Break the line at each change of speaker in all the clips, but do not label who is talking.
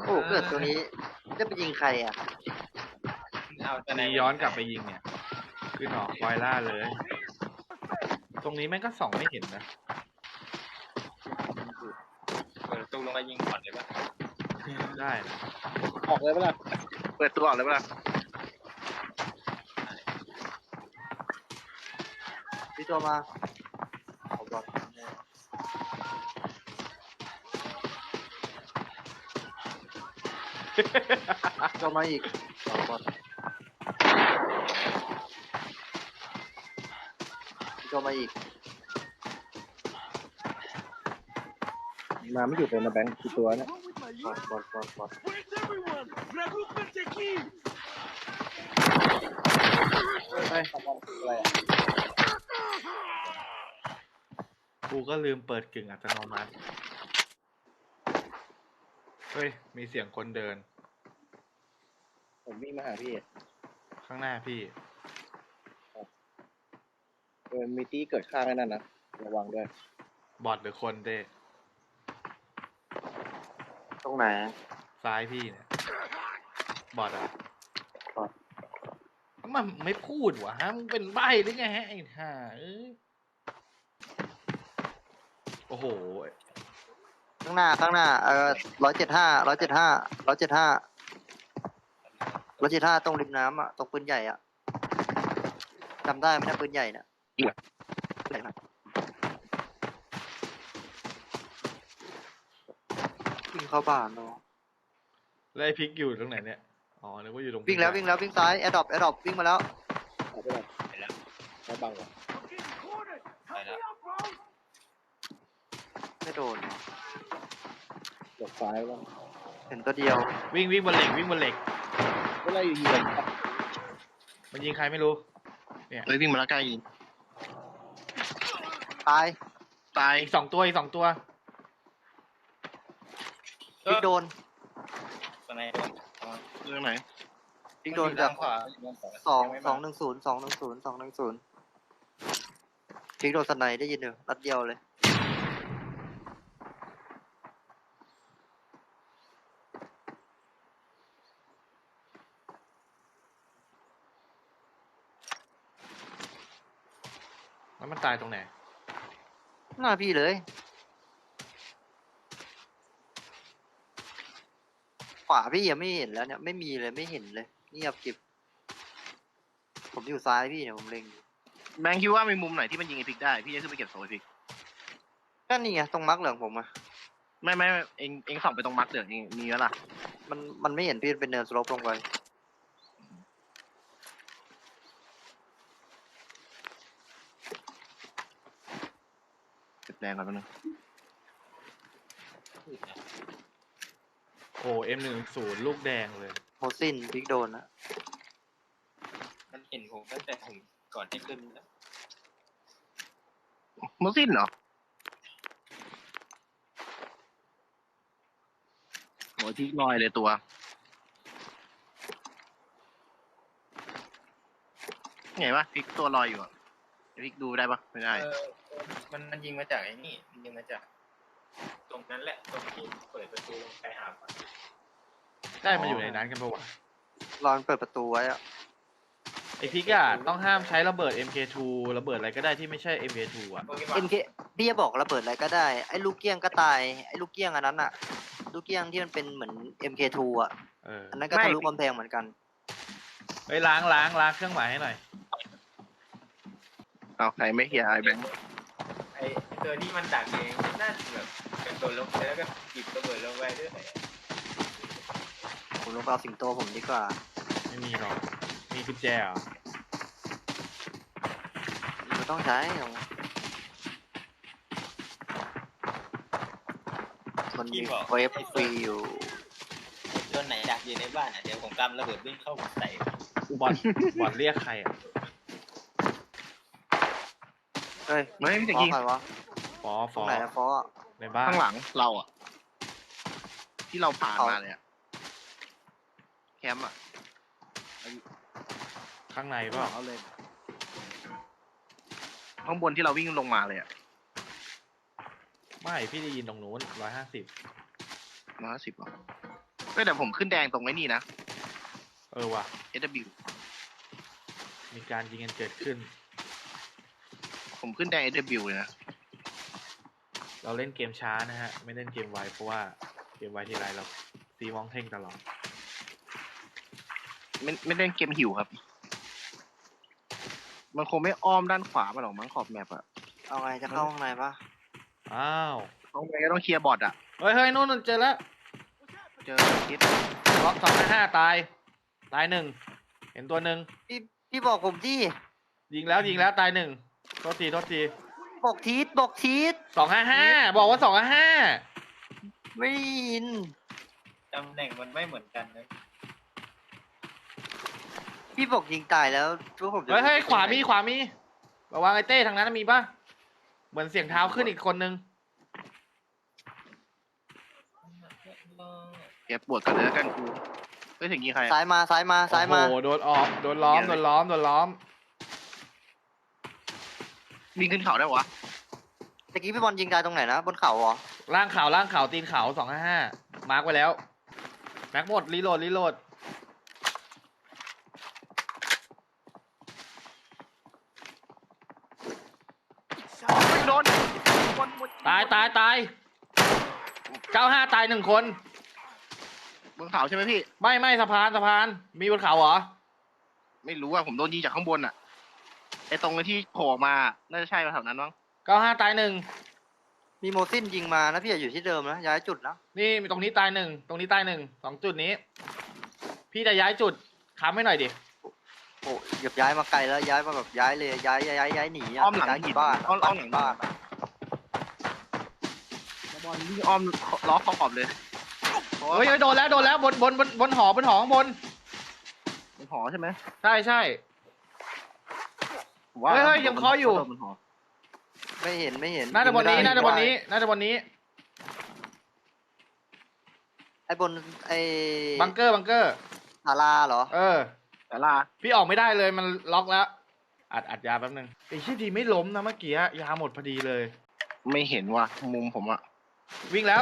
อ้เกิดตัวนี้จะไปยิงใครอ่ะ
อันนี้ย้อนกลับไปยิงเนี่ยขึ้นหอกไวล่าเลย ตรงนี้แม่งก็ส่องไม่เห็นนะ
เปิดตู้ลงไปยิงก่อนเลยป่ะ
ได้นะ
ออกเลยเปล่าเปิดตัวออกเลยเปล่า
พี่ตัวมาเอาบอลตัวมาอีกเอาบอลตัวมาอีก
มาไม่หยุดเลยนะแบงค์กี่ตัวเนี่ย
บอล
ไปอะไรอ่ะ
กูก็ลืมเปิดกึ่งอัตโนมัติเฮ้ยมีเสียงคนเดิน
ผมวิ่งมาหาพี่
ข้างหน้าพี่
มีตี้เกิดข้างนั่นนะระวังด้วย
บอทหรือคนเด้
ตรงไหน
ซ้ายพี่เนี่ยบอทอ่ะ
บอท
มันไม่พูดวะฮะมึงเป็นใบ้หรือไงฮะไอ้ห่าเอ้ยโอ้โห
ข้างหน้า175ตรงริมน้ำอ่ะตรงปืนใหญ่อ่ะจำได้ไหมนะปืนใหญ่น่ะไหนครับวิ่งเข้าบ้านเนาะ
แล้วไอ้พริกอยู่ตรงไหนเนี่ยอ๋อนึกว่าอยู่ตรง
วิ่งแล้ววิ่งซ้ายแอร์ดรอปวิ่งมาแล้ว
ออกไปเลย
ไปแล้ว
ไม่บังหรอ
ไปแล้ว
ไม่โดน
หลบซ้ายแล้ว
เห็นตัวเดียว
วิ่งบนเหล็กวิ่งบนเหล็ก
ก็เลยยิง
มันยิงใครไม่รู้เนี่ย
เลยวิ่งมาแล้วใกล้ยิง
ตาย
ตาย
อีกสองตัว
พลิกโดน
ตอนไหนโดน
เรื่องไหน
พลิกโดนจาก
ขวา
210 พลิกโดนสไนได้ยินอยู่นัดเดียวเลย
แล้วมันตายตรงไหน
หน้าพี่เลยขวาพี่ยังไม่เห็นแล้วเนี่ยไม่มีเลยไม่เห็นเลยเงียบกริบผมอยู่ซ้ายพี่เนี่ยผมเล็งอยู่
แบงค์คิดว่ามีมุมไหนที่มันยิงไอพิกได้พี่จะขึ้นไปเก็บโซ่ไอพิก
ก็นี่ไงตรงมาร์กเหลืองผมอะ
ไม่เองส่องไปตรงมาร์คเหลืองเองมีแล้วล่ะ
มันไม่เห็นพี่เป็นเนินสโลปลงไป
เก็บแดงก่อนแป๊บนึง
โอ้M10ลูกแดงเลย
โมซินพลิกโดนนะ
มันเห็นผมตั้งแต่ผมก่อนที่ขึ้นแล้ว
โมซินเหรอโหที่ลอยเลยตัวไงวะพิกตัวลอยอยู่อ่ะพิกดูได้ปะไม่ได้
มันยิงมาจากไอ้นี่มันยิงมาจากตรงนั้นแหละตรงที่เปิดประตูลงไปหาก่อน
ได้มาอยู่ในนั้นกันปะวะ
รอนเปิดประตูไว้อะ
ไอพริกอะต้องห้ามใช้ระเบิด MK2 ระเบิดอะไรก็ได้ที่ไม่ใช่ MK2 อะ
โปเกม
เอ็
อน
มเคพี่จะบอกระเบิดอะไรก็ได้ไอ้ลูกเกี้ยงก็ตายไอ้ลูกเกี้ยงอันนั้นอะลูกเกี้ยงที่มันเป็นเหมือน MK2 อะ อันนั้นก็ทะลุกำแพงเหมือนกัน
เฮ้ยล้างเครื่องหมายให้หน่อย
เอาใครไม่เฮียไอแบงค์
ไอ้ตัวที่มันดักเองน่าจะแบบกระโดดลงไปแล้วก็หยิบระเบิดลงไปด้วย
ผมลงไปเอาสิงโตผมดีกว่า
ไม่มีหรอกมีกุญแจเหรอ
ไม่ต้องใช้หรอกมันมีเวฟฟรีอยู่
ตัวไหนดักอยู่ในบ้านอ่ะเดี๋ยวผมกำระเบิดวิ่งเข้าใส่
บอทเรียกใครอะ
เฮ้ย
ไม่พี่จะ
ฟอ
ยิง
ใครวะ
ฟอ
ตรงไหนอะฟออะ
ในบ้าน
ข้างหลังเราอ่ะ ที่เราผ่านมาเลยอ่ะแคมป์อ่ะ
ข้างในเปล่า
เอาเลยข้างบนที่เราวิ่งลงมาเลยอ่ะ
ไม่พี่ได้ยินตรงนู้น150
150หรอก็แต่ผมขึ้นแดงตรงไว้นี่นะ
ว่ะ
SW
มีการยิงกันเกิดขึ้น
ผมขึ้นแดง SW เลยนะ
เราเล่นเกมช้านะฮะ ไม่เล่นเกมไวเพราะว่าเกมไวทีไรเราซีมองเท่งตลอด
ไม่เล่นเกมหิวครับ มันคงไม่อ้อมด้านขวามาหรอกมั้งขอบแมปอะ
เอาไงจะเข้าข้างในปะ
อ้าว
ต้องไงก็ต้องเคลียร์บอทอะ
เฮ้ยนู่นเจอแล้ว
เจอคิด
ล็อก255ตายหนึ่งเห็นตัวหนึ่ง
พี่บอกผมที่
ยิงแล้วตายหนึ่งโทษที
บอกทีท
255บอกว่า255
ไม่ได้ยิน
ตำแหน่งมันไม่เหมือนกันนะ
พี่บอกยิงตายแล้วพวกผมจะ
เฮ้ยขวามีระวังไอ้เต้ทางนั้นมีปะเหมือนเสียงเท้าขึ้นอีกคนนึง
เก็บปวดกันเลยแล้วกันกูไม่ถึงยิงใคร
ซ้ายมา
โอ้โหโดนล้อม
วิ่งขึ้นเขาได้วะ
ตะกี้พี่บอลยิงตายตรงไหนนะบนเขาเหรอ
ล่างเขาตีนเขา255มาร์กไว้แล้วแม็กหมดรีโหลด
ไม่โดน
ตาย95ตาย1คน
บนเขาใช่ไหมพี่
ไม่สะพานมีบนเขาเหรอ
ไม่รู้อะผมโดนยิงจากข้างบนอะไอตรงที่โผล่มาน่าจะใช่แถวนั้นมั้ง
95ตาย1
มีโมซินยิงมานะพี่อย่าอยู่ที่เดิมนะย้ายจุดนะ
นี่ตรงนี้ตาย1ตรงนี้ตาย1 2จุดนี้ พี่จะย้ายจุดค้ำให้หน่อยดิ
โอ้เหยียบย้ายมาไกลแล้วย้ายมาแบบย้ายเลยย้ายหนีะ
อ้อมหลัง
ย้าย
หิน
บ้าน
อ้อมหลังบ้านบอลวิ่งอ้อมล้อขอบเลย
เฮ้ยโดนแล้วบนหอข้างบน
บนหอใช่ไหม
ใช่
ผมว่า
เฮ้ยยังเคาะอยู่
บนหอ
ไม่เห็น
น่าจะบนนี้
ยิงไม่ได้ไอ้บนไอ้
บังเกอร์
ศาลาเหรอ
แต่ลา
พี่ออกไม่ได้เลยมันล็อกแล้วอัดยาแป๊บนึงไอ้ที่ดีไม่ล้มนะเมื่อกี้ยาหมดพอดีเลย
ไม่เห็นว่ะมุมผมอะ
วิ่งแล้ว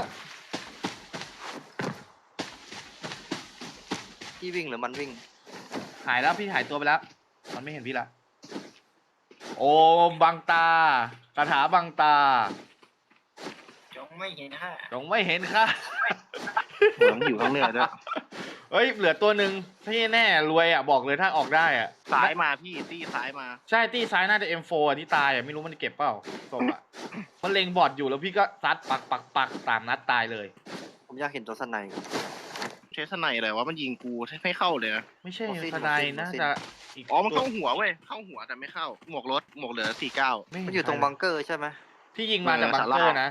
พี่วิ่งหรือมันวิ่ง
หายแล้วพี่หายตัวไปแล้วมันไม่เห็นพี่ละโอ้บังตาคาถาบังตา
จงไม่เห็นค่ะ
จงไม่เห็นค่ะ
เหมือนอยู่ข้างเหนือด้วย
เฮ้ยเหลือตัวหนึ่งที่แน่รวยอ่ะบอกเลยถ้าออกได้อ่ะ
ซ้ายมาพี่ตี้ซ้ายมา
ใช่ตีซ้ายน่าจะ M4 อ่ะที่ตายอ่ะไม่รู้มันเก็บเปล่าศพอ่ะมันเล็งบอดอยู่แล้วพี่ก็ซัดปักตามนัดตายเลย
ผมอยากเห็นตัวสไนด์
เทสไนอะไรวะมันยิงกูไม่เข้าเลยนะ
ไม่ใช่
โมซิน
ทนายน่าจะอีก
อ๋อมันเข้าหัวเว้ยเข้าหัวแต่ไม่เข้าหมวกรถหมวกเหลือ49
ไม่
มันอยู่ตรงบังเกอร์ใช่ไหม
ที่ยิงมาจากบังเกอร์นะ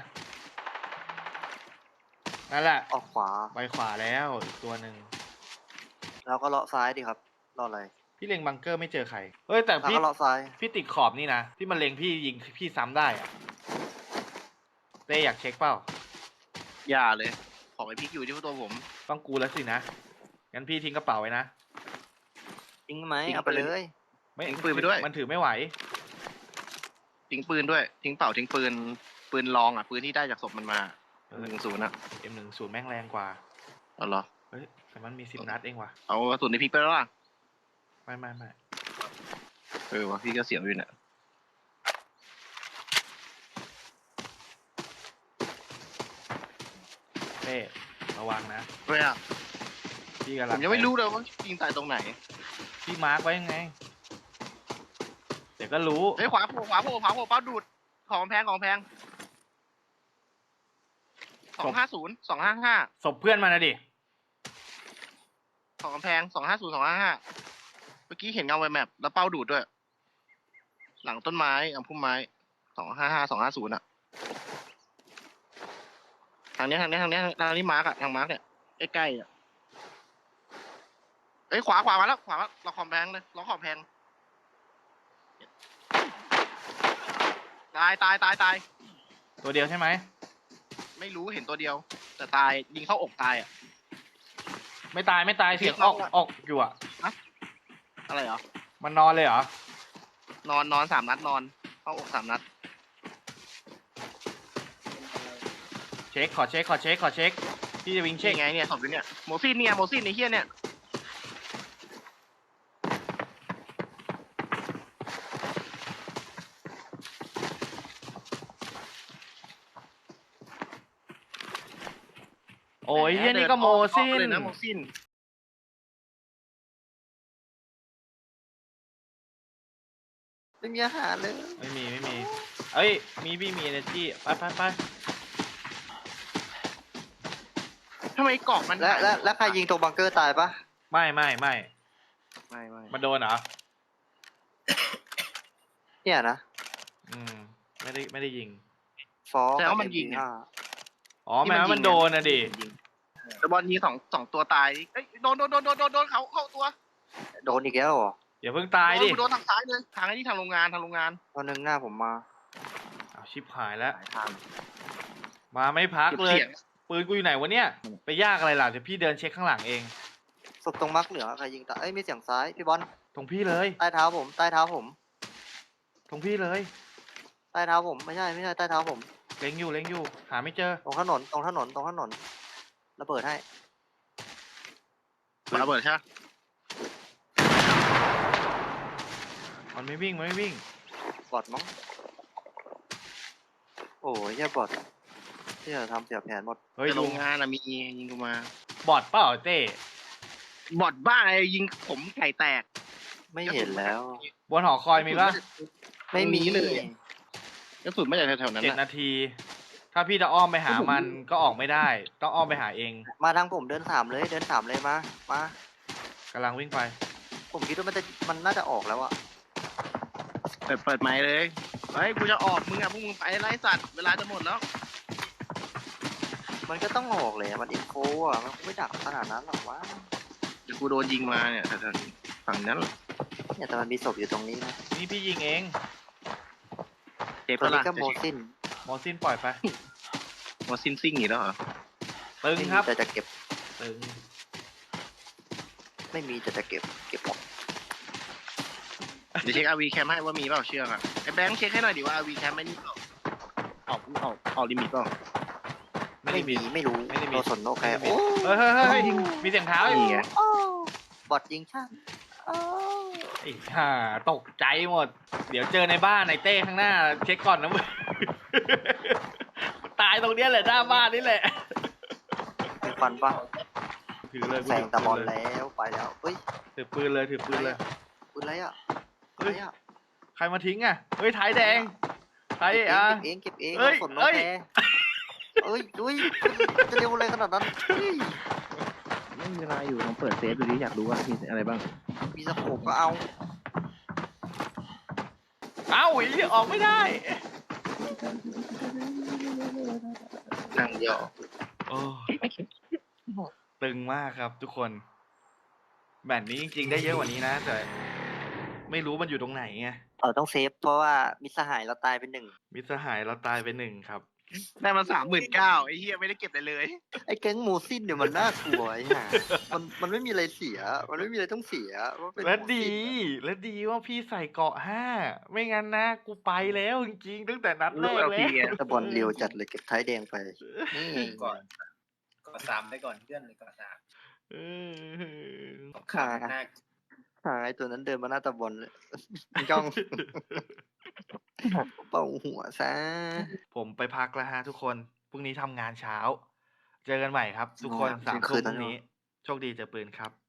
นั่นแหละ
ออกขวา
ไปขวาแล้วอีกตัวหนึ่ง
แล้วก็เลาะซ้ายดิครับเลาะอะไร
พี่เล็งบังเกอร์ไม่เจอใครเฮ้ยแต่
แล้ว
พี่
ก็เลาะซ้าย
พี่ติดขอบนี่นะที่มันเล็งพี่ยิงพี่ซ้ำได้อะเต้อยากเช็คเปล่า
อย่าเลยของไอพิกอยู่ที่ตัวผม
ต้องกูแล้วสินะงั้นพี่ทิ้งกระเป๋าไว้นะ
จริงไหม
ทิ้ง
เอาไป
ไป
เล
เลย
ย
ไม่
ทิ้งปืนไปด้วย
มันถือไม่ไหว
ทิ้งปืนด้วยทิ้งเป่าทิ้งปืนลองอ่ะปืนที่ได้จากศพมันมา10อะ
M10 แม่งแรงกว่า
เอาเหรอ
เฮ้ยแต่มันมี10 นัดเองว่ะ
เอากระสุนในพิกไปแล้วล่ะ
ไม่
วะพี่ก็เสียงอยู่เนี่ย
เต้ระวังนะ
เฮ้ยอะ
พี่กำ
ผ
ลัง
มยังไม่รู้เลยว่ายิงตายตรงไหน
พี่มาร์กไว้ยังไงเดี๋ยวก็รู้
เฮ้ยขวาโผล่เป้าดูดของแพง250 255
ศพเพื่อนมานะดิ
ของแพง250 255เมื่อกี้เห็นเงาไวแมปแล้วเป้าดูดด้วย หลังต้นไม้พุ่มไม้255 250อะทางนี้มาร์กอะทางมาร์กเนี่ยใกล้ๆอะเอ้ยขวามาแล้วเราขอบแพงเลยเราขอบแพงตาย
ตัวเดียวใช่ไหม
ไม่รู้เห็นตัวเดียว แต่ตายยิงเข้าอกตายอ่ะ
ไม่ตายเสียงออกอยู่อ่ะ
อะไรเหรอ
มันนอนเลยเหรอ
นอน3 นัดนอนเข้าอก3 นัด
เช็คขอเช็คพี่จะวิ่งเช็ค
ไงเนี่ยศพอยู่เนี่ยโมซินเนี่ยโมซินไอ้เหี้ยเนี่ย
โอ้ยเฮียนี่ก็โมซิน
เลยนะโมซิน
ไม่มีอาหารเลย
ไม่มีเอ้ยมีพี่มี energy ไป
ทำไมเกาะมัน
แล้วใครยิงตรงบังเกอร์ตายปะ
ไม่
ไม่
มันโดนเหรอ
เนี่ยนะ
ไม่ได้ยิง
ฟอ
แต่ว่ามันยิง
อ่ะ
อ๋อแม้ว่ามันโดนนะดิ
แต่บอลยิงสองตัวตายเอ้ยโดนเขาเข้าตัว
โดนอีกแล้วเหรอ
อย่าเพิ่งตายดิ
โดนทางซ้ายเลยทางไอ้นี่ทางโรงงาน
ตอนนึงหน้าผมมา
เอาชิบหายแล้ว
ทาง
มาไม่พักเลย
เสียง
ปืนกูอยู่ไหนวะเนี่ย ไปยากอะไรล่ะเดี๋ยวพี่เดินเช็คข้างหลังเอง
ศพตรงมักเหลืองใครยิงตายเอ้ยมีเสียงซ้ายพี่บอล
ตรงพี่เลย
ใต้เท้าผมใต้เท้าผม
ตรงพี่เลย
ใต้เท้าผมไม่ใช่ใต้เท้าผม
เล็งอยู่หาไม่เจอ
ตรงถนนระเบิดให้
ระเบิดใช่ไหม
มันไม่วิ่ง
บอดมั้งโอ้ยแย่บอดที่จะทำเสียแผนหมด
เฮ้ย
แต่โร
ลุ
ง
ง
งานมียิงกูมา
บอดเปล่าเต้
บอดบ้าไอ้ยิงผมไก่แตก
ไม่เห็นแล้ว
บนหอคอยมีปะ
ไม่มี
เลย กระสุนไม่จากแถวๆนั้น
7
นะ
นาที ถ้าพี่จะอ้อมไปหามันก็ออกไม่ได้ ต้องอ้อมไปหาเอง
มาทางผมเดิน3เลยมาก
ำลังวิ่งไป
ผมคิดว่ามันน่าจะออกแล้วอะ
เปิดไม้เลยเฮ้ยกูจะออกมึงอ่ะพวกมึงไปไล่สัตว์เวลาจะหมดแล้ว
มันก็ต้องออกเลยอะมันอินโฟอะมันคงไม่ดักขนาดนั้นหรอกวะ
เดี๋ยวกูโดนยิงมาเนี่ยแถวๆฝั่งนั้น
เนี่ยแต่มันมีศพอยู่ตรงนี้นะ
นี่พี่ยิงเอง
เจ็บ
ตัว
ปะ
นี้
ล่ะ
ก็โมซิน
มอซินปล่อยไป
โมซินซิ่งอีกแล้วเหรอ
ตึง
ไม่
ค
มี
รับ
แต่จะเก็บ
ตึง
ไม่มีแต่จะเก็บหมด
เดี๋ยวเช็คอาวีแคมให้ว่ามีเปล่าเชือกอ่ะไอ้แบงค์เช็คให้หน่อยดิว่าอาวีแคมไม่นี่เปล่าออกลิมิตเปล่า
ไม่มีไม่รู้
ไม่ได้มี
โนสนโอเคโอ้
เฮ้ยมีเสียงเท้าอยู่
นี่ไง
โอ้บอดยิงช่างโอ้
ไอ้ห่าตกใจหมด เดี๋ยวเจอในบ้านในเต้ข้างหน้า เช็คก่อนนะมึง ตายตรงเนี้ยแหละหน้าบ้านนี่แหละ
เป็นฟันปะ
ถือเลย
แซงตะบอลแล้วไปแล้วเฮ้ย
ถือปืนเลย
ปืนอะไรอะอะไรอะ
ใครมาทิ้งอ่ะ เฮ้ยท้ายแดงท้าย
เก็บ
อ่ะ
เองเก็บเอง
เอ้ย
โนสนโน
เอ้ย
แคร์เอ้ยดุยจะเร็วอะไรขนาดนั้นเฮ้ย
ไม่มีเวลาอยู่ลองเปิดเซฟดูดิอยากรู้ว่ามีอะไรบ้าง
มีสโคปก็เอา
เอ้าไอ้เหี้ยออกไม่ได้
นั่งเดียว
โอ้ตึงมากครับทุกคน แบบนี้จริงๆได้เยอะกว่านี้นะ แต่ไม่รู้มันอยู่ตรงไหนไง
ต้องเซฟเพราะว่ามิตรสหายเราตายไป1
มิตรสหายเราตายไป1ครับ
ได้มา39,000ไอ้เหี้ยไม่ได้เก็บอะไรเลย
ไอ้แก๊งโมซินเนี่ยมันน่ากลัวไอ้ห่ามันไม่มีอะไรเสีย มันไม่มีอะไรต้องเสียว่าเป็น
และ
โมซิน
ดี และดีว่าพี่ใส่เกราะ5 ไม่งั้นนะกูไปแล้วจริงๆตั้งแต่นัดแรก
ลูก
แล้
LP
ว
ไง
แต่บอลเร็วจัดเลยเก็บท้ายแดงไปนี่
ก่อน3ไปก่อนเพื่อนเลยก่อน3
เออ
ขาหน้า
ไอ้ตัวนั้นเดินมาหน้าตะบอลเลยจ้อง เป่าหัวซะ
ผมไปพักแล้วฮะทุกคน พรุ่งนี้ทำงานเช้า เจอกันใหม่ครับ ทุกคน
อ๋อ
3
คื
ทุ่ม
น
พ
นั้น
รุ่งนี้
เหรอ
โชคดีเจอปืนครับ